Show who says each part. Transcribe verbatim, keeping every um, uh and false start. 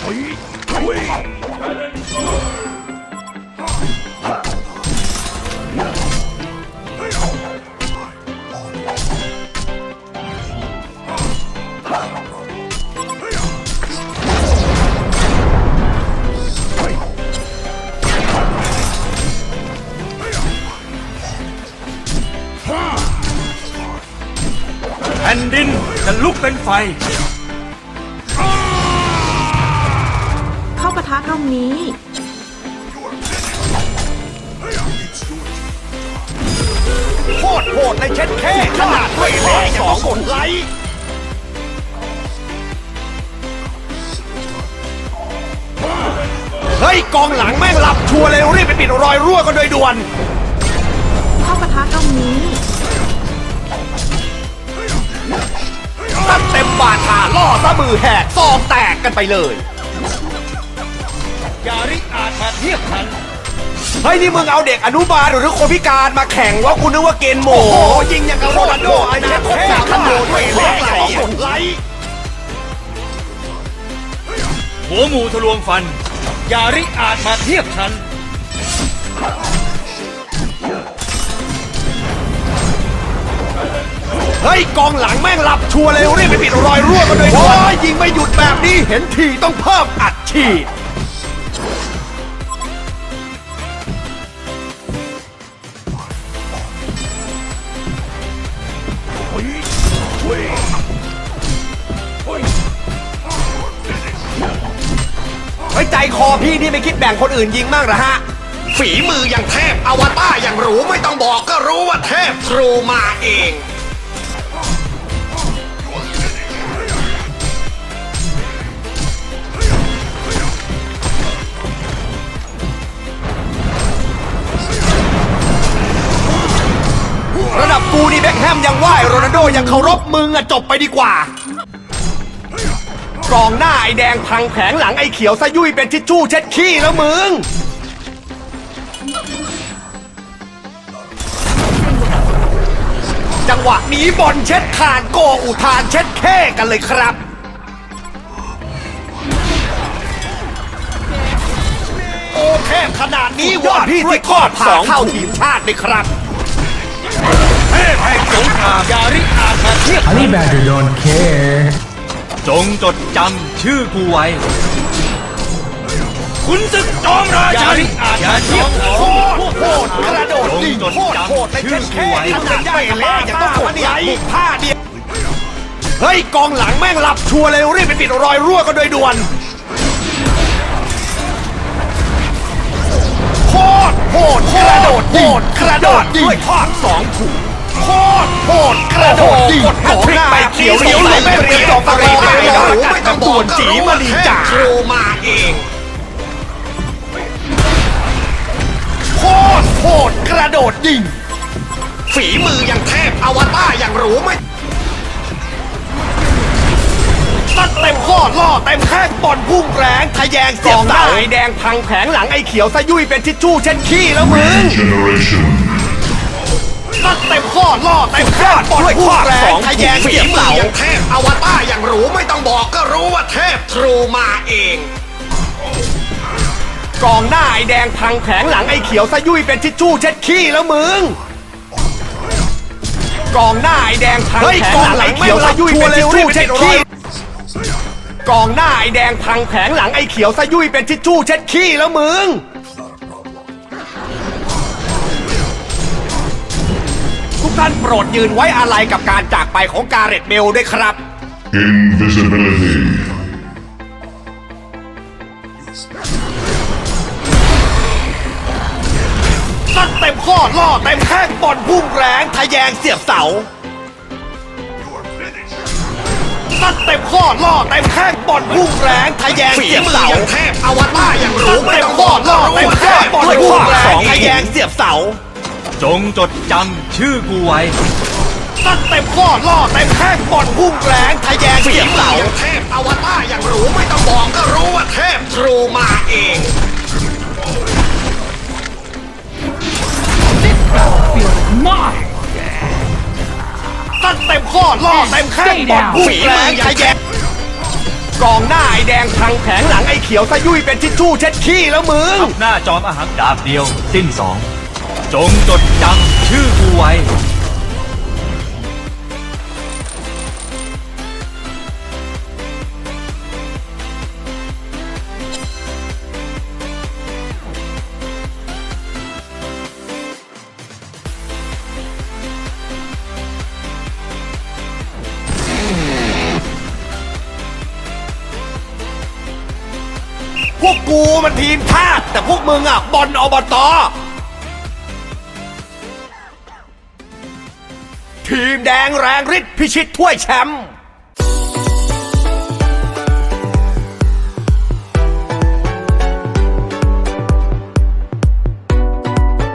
Speaker 1: แผ่นดินจะลุกเป็นไฟ
Speaker 2: เข้าปะทะตรงนี้
Speaker 3: โคตรโหดในเช็ดแค่ขนาดไม่แพ้สองคนไลท์เฮ้ยกองหลังแม่งหลับชัวร์เลยรีบไปปิดรอยรั่วกันโดยด่วน
Speaker 2: เข้าปะทะตรงนี้
Speaker 3: ตั้งเต็มบาทาล่อซะมือแหกซองแตกกันไปเลย
Speaker 1: ยาริอาจมาเทียบทัน
Speaker 3: เฮ้ยนี่มึงเอาเด็กอนุบาลหรือคนพิการมาแข่งว่ากูนึกว่าเกณฑ์โหมยิงอย่างกับโรนัลโดอนาคตสามขนาดไม่แพ้สองคนไลท์
Speaker 1: หัวหมูทะลวงฟันยาริอาจมาเทียบทัน
Speaker 3: เฮ้ยกองหลังแม่งหลับชัวร์เลยรีบไปปิดรอยรั่วกันเลยโอ้ยยิงไม่หยุดแบบนี้เห็นทีต้องเพิ่มอัดฉีดไว้ใจคอพี่นี่ไม่คิดแบ่งคนอื่นยิงมั่งเหรอฮะฝีมืออย่างเทพอวตารอย่างหรูไม่ต้องบอกก็รู้ว่าเทพทรูมาเองระดับกูนี่เบ็คแฮมยังไหวโรนัลโดยังเคารพมึงอะจบไปดีกว่ากรองหน้าไอแดงพังแผงหลังไอเขียวซะยุ่ยเป็นทิชชู่เช็ดขี้แล้วมึงจังหวะนี้บอลเช็ดคานโกอุทานเช็ดแค่กันเลยครับโอเคขนาดนี้วอดพี่ที่กอดผ่าเข้าทีมชาติเลยครับ
Speaker 1: เทพแห่งสงครามยาริอาจมาเทียบ
Speaker 4: Honey Badger don't care
Speaker 1: จงจดจำชื่อกูไว้คุณศึกจอมราชันอย่าเทียบโคตร
Speaker 3: โหดกระโดดยิงโคตรโหดในเช็ดแค่ขนาดไม่เละยังต้องกดไหลผ้าเดียวเฮ้ยกองหลังแม่งหลับชัวร์เลยรีบไปปิดรอยรั่วกันโดยด่วนโคตรโหดกระโดดโหดกระโดดด้วยทอดสองถุงโคตรโหดกระโดดยิงกดแฮตทริกไปเขียวเหลียวเลยไม่เรียบดอกตะรีไปแล้วไม่ต้องด่วนจีมาลีจ่าโทรมาเองโคตรโหดกระโดดยิงฝีมืออย่างเทพอวตารอย่างหรูไม่ตัดเต็มข้อล่อเต็มแข้งบอลพุ่งแรงทะแยงเสียบเสาไอแดงพังแผงหลังไอเขียวซะยุ่ยเป็นทิชชู่เช็ดขี้แล้วมึงตัดเต็มข้อล่อเต็มแข้งบอลพุ่งแรงทะแยงเสียบเสาอย่างเทพอวตารอย่างหรูไม่ต้องบอกก็รู้ว่าเทพทรูมาเองกองหน้าไอแดงพังแผงหลังไอเขียวซะยุ่ยเป็นทิชชู่เช็ดขี้แล้วมึงกองหน้าไอแดงพังแผงหลังไอเขียวซะยุ่ยเป็นทิชชู่เช็ดขี้กองหน้าไอแดงพังแผงหลังไอเขียวซะยุ่ยเป็นทิชชู่เช็ดขี้แล้วมึงทุกท่านโปรดยืนไว้อาลัยกับการจากไปของกาเรตเบลด้วยครับ
Speaker 5: Invisibility
Speaker 3: ตัดเต็มข้อล่อเต็มแข้งบอลพุ่งแรงทะแยงเสียบเสาตัดเต็มข้อล่อเต็มแข้งบอลพุ่งแรงทะแยงเสียบเสาเทพอวตารอย่างหรูไม่ต้องบอกล่อเต็มแข้งบอลพุ่งแรงทะแยงเสียบเสา
Speaker 1: จงจดจำชื่อกูไว้
Speaker 3: ตัดเต็มข้อล่อเต็มแข้งบอลพุ่งแรงทะแยงเสียบเสาเทพอวตารอย่างหรูไม่ต้องบอกก็รู้ว่าเทพทรูมาเองตัดเต็มข้อล่อเต็มแข้งบอลพุ่งแรงทะแยงกองหน้าไอแดงพังแผงหลังไอเขียวซะยุ่ยเป็นทิชชู่เช็ดขี้แล้วมึง
Speaker 1: หน้าจอมอาหารดาบเดียว สิ้นสอง จงจดจำชื่อกูไว้
Speaker 3: พวกกูมันทีมชาติแต่พวกมึงอ่ะบอลอบตทีมแดงแรงฤทธิ์พิชิตถ้วยแชมป์